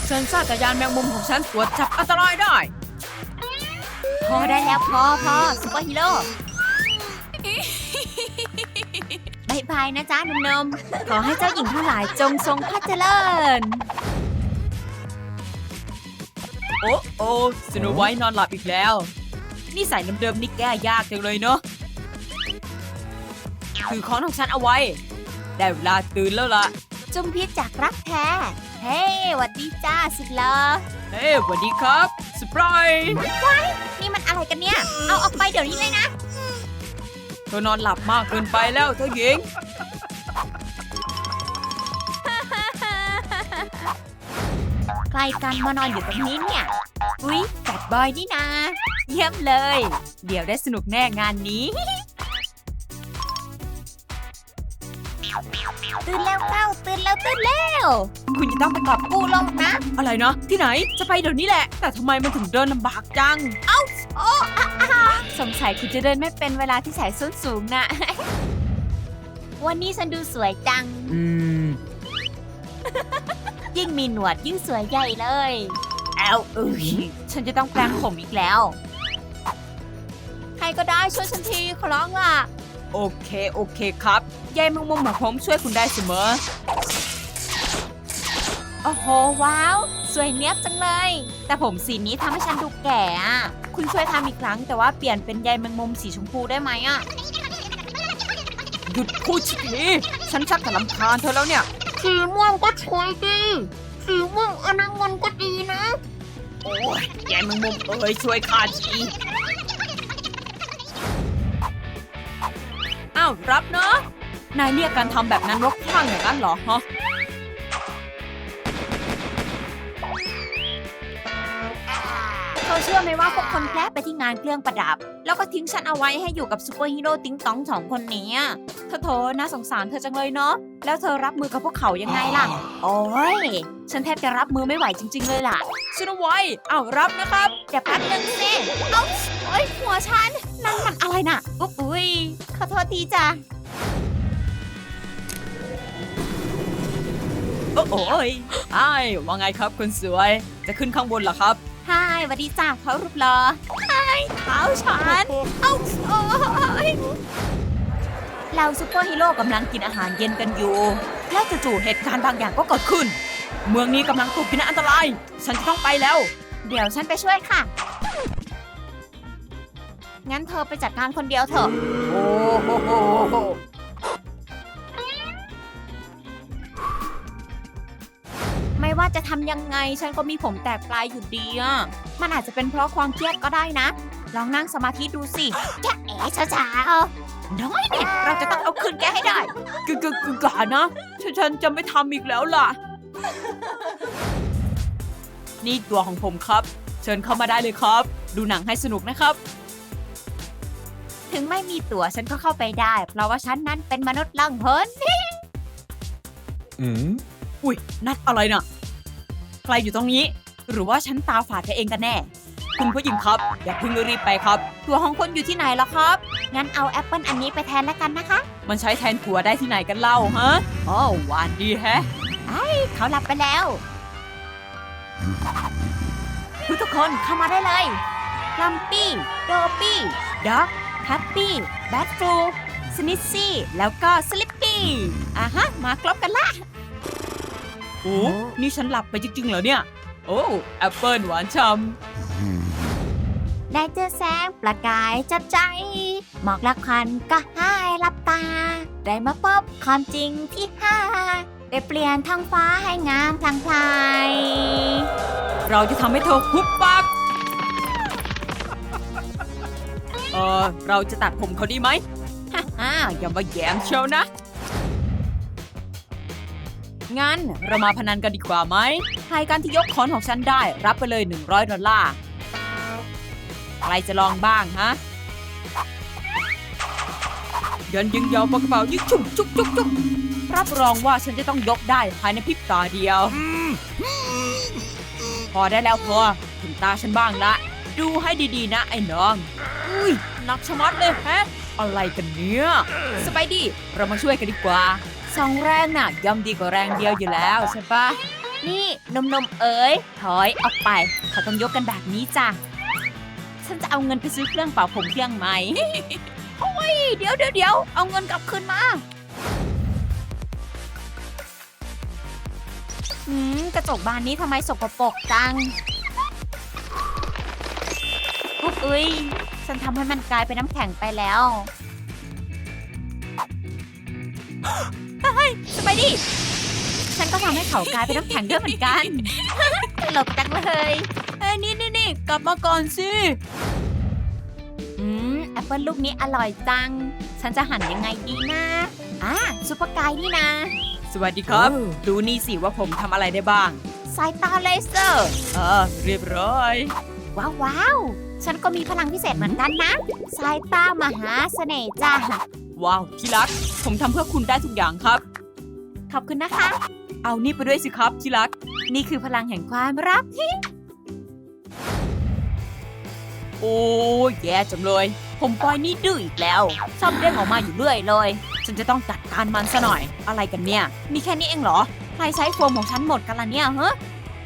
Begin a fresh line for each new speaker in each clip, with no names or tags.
เซ็นเซอร์จักรยานแมงมุมของฉันตรวจจับอันตรายได้
พอได้แล้วพอซุปเปอร์ฮีโร่บายบายนะจ๊ะนมๆขอให้เจ้าหญิงทั้งหลายจงทรงพระเจริญ
โอ้สโนไวท์นอนหลับอีกแล้วนิสัยเดิมๆนี่แก้ยากจังเลยเนาะถือของของฉันเอาไว้ได้เวลาตื่นแล้วล่ะ
จุมพิษจากรักแท้ เฮ้หวัดดีจ้าสุดหล่อ
เฮ้สวัสดีครับสปราย
นี่มันอะไรกันเนี่ย เอาออกไปเดี๋ยวนี้เลยนะ
เธอนอนหลับมากเกินไปแล้วเธอหญิง
ใครกันมานอนอยู่ตรงนี้เนี่ย อุ๊ยแบดบอยนี่นาเยี่ยมเลย
เดี๋ยวได้สนุกแน่งานนี้
ตื่นแล้วเต้าตื่นแล้ว
คุณจะต้องไปกอบกู้
กูลงนะ
อะไรนะที่ไหนจะไปเดี๋ยวนี้แหละ แต่ทำไมมันถึงเดินลำบากจัง
สงสัยคุณจะเดินไม่เป็นเวลาที่ใส่ส้นสูงนะ วันนี้ฉันดูสวยจัง ยิ่งมีหนวดยิ่งสวยใหญ่เลยฉันจะต้องแปรงผมอีกแล้ว ใครก็ได้ช่วยฉันทีขอร้องล่ะ
โอเคครับยายแมงมุมของผมช่วยคุณได้เสมอ
โอ้โหว้าว สวยเนี้ยบจังเลย แต่ผมสีนี้ทำให้ฉันดูแก่อะคุณช่วยทำอีกครั้งแต่ว่าเปลี่ยนเป็นใยแมงมุมสีชมพูได้ไหมอะ
หยุดพูดทีฉันชักจะรำคาญเธอแล้วเนี่ย
สีม่วงก็สวยดีสีม่วงอนามันก็ดีนะ
โอ้ยยายแมงมุมช่วยข้าทีอ้าวรับเนาะนายเรียกการทำแบบนั้นว่าคลั่งอย่างนั้นเหรอฮะ
เธอเชื่อไหมว่าพวกคนแคร์ไปที่งานเครื่องประดับ แล้วก็ทิ้งฉันเอาไว้ให้อยู่กับซูเปอร์ฮีโร่ติ๊งตอง2 คนนี้โถน่าสงสารเธอจังเลยเนาะแล้วเธอรับมือกับพวกเขายังไงล่ะ โอ้ยฉันแทบจะรับมือไม่ไหวจริงๆเลยล่ะ
ชนไว้อ้าวรับนะครับ
เดี๋ยวแป๊บนึงสิเอ้าโอ้ยหัวฉันนั่นมันอะไรน่ะอุ๊ยขอโทษทีจ้ะ
โอ้ยอ้ายว่าไงครับคุณสวย จะขึ้นข้างบนเหรอครับ
ฮายสวัสดีจ้าเขารูปหล่อฮายเท้าฉันเอ้าโอ้ยเราซูเปอร์ฮีโร่กำลังกินอาหารเย็นกันอยู่
แล้วจู่ๆเหตุการณ์บางอย่างก็เกิดขึ้น เมืองนี้กำลังตกอยู่ในอันตราย ฉันจะต้องไปแล้ว
เดี๋ยวฉันไปช่วยค่ะ งั้นเธอไปจัดการคนเดียวเถอะ
โอ้โห
ไม่ว่าจะทำยังไงฉันก็มีผมแตกปลายอยู่ดีอ่ะ มันอาจจะเป็นเพราะความเครียดก็ได้นะ ลองนั่งสมาธิดูสิแค่ช้าๆน้อยเนี่ยเราจะต้องเอาคืนแกให้ได้
กะนะฉันจะไม่ทำอีกแล้วล่ะ นี่ตัวของผมครับ เชิญเข้ามาได้เลยครับ ดูหนังให้สนุกนะครับ
ถึงไม่มีตั๋วฉันก็เข้าไปได้ เพราะว่าฉันนั้นเป็นมนุษย์ล่องหน
อุ้ยนัดอะไรน่ะใครอยู่ตรงนี้ หรือว่าฉันตาฝาดไปเองกันแน่ คุณผู้หญิงครับอย่าเพิ่งรีบไปครับ
ตั๋วของคนอยู่ที่ไหนล่ะครับ งั้นเอาแอปเปิลอันนี้ไปแทนแล้วกันนะคะ
มันใช้แทนถั่วได้ที่ไหนกันเล่าฮะอ๋อหวานดีแฮะ
เขาหลับไปแล้ว ทุกคนเข้ามาได้เลยลัมปี้โดปี้ด็อกแฮปปี้แบทฟลูสนิซซี่แล้วก็สลิปปี้มาครบกันละ
โอ้นี่ฉันหลับไปจริงๆเหรอเนี่ย โอ้แอปเปิลหวานฉ่
ได้เจอแสงประกายจับใจหมอกละควันก็หายลับตา ได้มาพบความจริงที่ได้เปลี่ยนท้องฟ้าให้งามพลางพลาย
ำเราจะทำให้เธอหุบปากเราจะตัดผมเขาดีไหมอย่ามาแย้มเชียวนะ งั้นเรามาพนันกันดีกว่าไหมใครกันที่ยกค้อนของฉันได้รับไปเลย$100ใครจะลองบ้างฮะยันยิงยาวปากกระเป๋ายิงจุ๊บจุ๊บจุ๊บจุ๊บรับรองว่าฉันจะต้องยกได้ภายในพริบตาเดียว พอได้แล้วพอถึงตาฉันบ้างละดูให้ดีๆนะไอ้น้องอุ้ยหนักชะมัดเลยแฮะอะไรกันเนี่ยสไปดี้เรามาช่วยกันดีกว่าสองแรงน่ะย่อมดีกว่าแรงเดียวอยู่แล้วใช่ปะ
นี่นมเอ๋ยถอยออกไปเขาต้องยกกันแบบนี้จ้ะ
ฉันจะเอาเงินไปซื้อเครื่องเป่าผมเครื่องใหม่
เดี๋ยวเอาเงินกลับคืนมากระจกบานนี้ทำไมสกปรกจังอุ๊บอุ๊ยฉันทำให้มันกลายเป็นน้ำแข็งไปแล้ว
สบายดี
ฉันก็ทำให้เขากลายเป็นน้ำแข็งด้วยเหมือนกัน ตลกจังเลย
นี่กลับมาก่อนสิ
แอปเปิลลูกนี้อร่อยจัง ฉันจะหั่นยังไงดีนะซุปเปอร์ไกด์นี่นะ
สวัสดีครับ ดูนี่สิว่าผมทำอะไรได้บ้าง
สายตาเลเซอร์
เรียบร้อย
ว้าว ฉันก็มีพลังพิเศษเหมือนกันนะ สายตามหาเสน่ห์จ้า
ว้าวที่รัก ผมทำเพื่อคุณได้ทุกอย่างครับ
ขอบคุณนะคะ
เอานี่ไปด้วยสิครับที่รัก
นี่คือพลังแห่งความรัก
โอ้แย่จังเลย ผมปล่อยนี่ดื้ออีกแล้วชอบเด้งออกมาอยู่เรื่อยเลย ฉันจะต้องจัดการมันซะหน่อย อะไรกันเนี่ย มีแค่นี้เองเหรอ
ใครใช้โฟมของฉันหมดกันละเนี่ยฮะ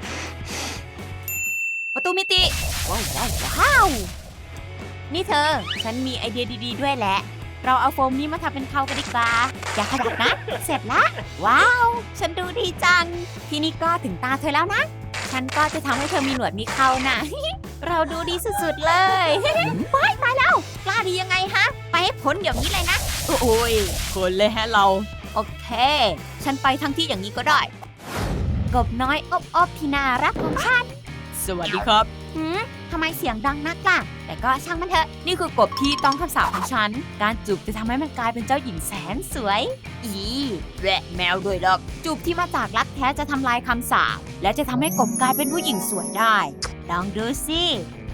ประตูมิติ
ว้าว นี่เธอ ฉันมีไอเดียดีๆด้วยแหละ เราเอาโฟมนี้มาทำเป็นเขากันดีกว่า อย่าขยับนะ เสร็จละ ว้าว ฉันดูดีจัง ทีนี้ก็ถึงตาเธอแล้วนะ ฉันก็จะทำให้เธอมีหนวดมีเขานะ เราดูดีสุดๆเลย ว้ายตายแล้ว กล้าดียังไงฮะ ไปให้พ้นเดี๋ยวนี้เลยนะ
โอ้ยคนเลยแฮะเรา
โอเค ฉันไปทั้งที่อย่างนี้ก็ได้ กบน้อยอบที่น่ารักของฉัน
สวัสดีครับ
ทำไมเสียงดังนักล่ะ แต่ก็ช่างมันเถอะ
นี่คือกบที่ต้องคำสาปของฉัน
การจูบจะทำให้มันกลายเป็นเจ้าหญิงแสนสวย
แวะแมวด้วยหรอก
จูบที่มาจากรักแท้จะทำลายคำสาปและจะทำให้กบกลายเป็นผู้หญิงสวยได้ ลองดูสิ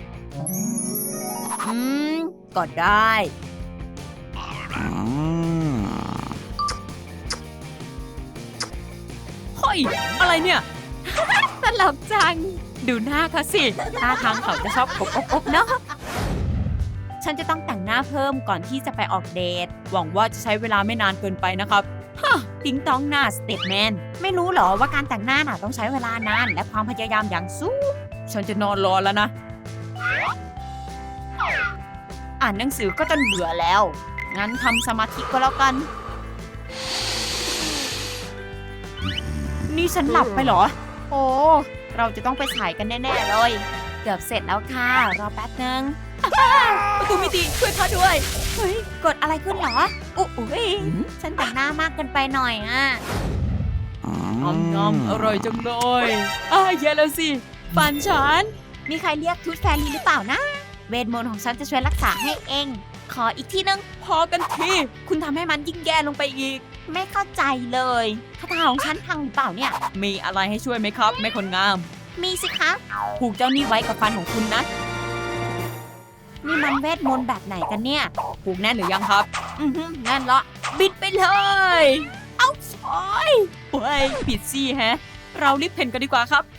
ก็ได้ เฮ้ย อะไรเนี่ย
ตลกจัง
ดูหน้าเขาสิท่าทางเขาจะชอบกบอบๆเนาะ
ฉันจะต้องแต่งหน้าเพิ่มก่อนที่จะไปออกเดท
หวังว่าจะใช้เวลาไม่นานเกินไปนะครับ
ติ๊งต้องหน้าสเตทแมน ไม่รู้เหรอว่าการแต่งหน้าน่ะต้องใช้เวลานานและความพยายามอย่างสูง
ฉันจะนอนรอแล้วนะ
อ่านหนังสือก็จนเบื่อแล้ว งั้นทำสมาธิก็แล้วกัน
นี่ฉันหลับไปเหรอ
โอ้ เราจะต้องไปถ่ายกันแน่ๆเลย เกือบเสร็จแล้วค่ะ รอแป๊บนึง
ประตูมิติช่วยข้าด้วย
เฮ้ย กดอะไรขึ้นเหรอ อุ๊ยฉันแต่งหน้ามากเกินไปหน่อยอ่ะ
งอมอร่อยจังเลยแย่แล้วสิฟันฉัน
มีใครเรียกทูตแฟรี่หรือเปล่านะ เวทมนต์ของฉันจะช่วยรักษาให้เอง ขออีกทีนึง
พอกันที คุณทำให้มันยิ่งแย่ลงไปอีก
ไม่เข้าใจเลยคาถาของฉันพังหรือเปล่าเนี่ย
มีอะไรให้ช่วยไหมครับ ไม่คนงาม
มีสิคะ
ผูกเจ้านี่ไว้กับฟันของคุณนะ
นี่มันเวทมนต์แบบไหนกันเนี่ย
ผูกแน่นหรือยังครับ
แน่นละ
บิดไปเลย เอาโอ้ยผิดซี่แฮะ เรารีบเพ่นกันดีกว่าครับ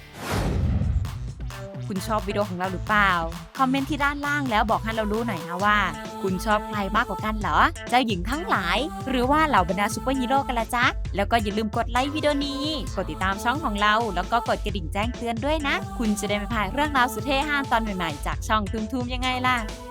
คุณชอบวิดีโอของเราหรือเปล่า คอมเมนต์ที่ด้านล่างแล้วบอกให้เรารู้หน่อยนะว่า คุณชอบใครมากกว่ากันเหรอ เจ้าหญิงทั้งหลาย หรือว่าเหล่าบรรดาซูเปอร์ฮีโร่กันละจ๊ะ แล้วก็อย่าลืมกดไลค์วิดีโอนี้ กดติดตามช่องของเรา แล้วก็กดกระดิ่งแจ้งเตือนด้วยนะ คุณจะได้ไม่พลาดเรื่องราวสุดเท่ห้างตอนใหม่ๆจากช่องทุมๆยังไงล่ะ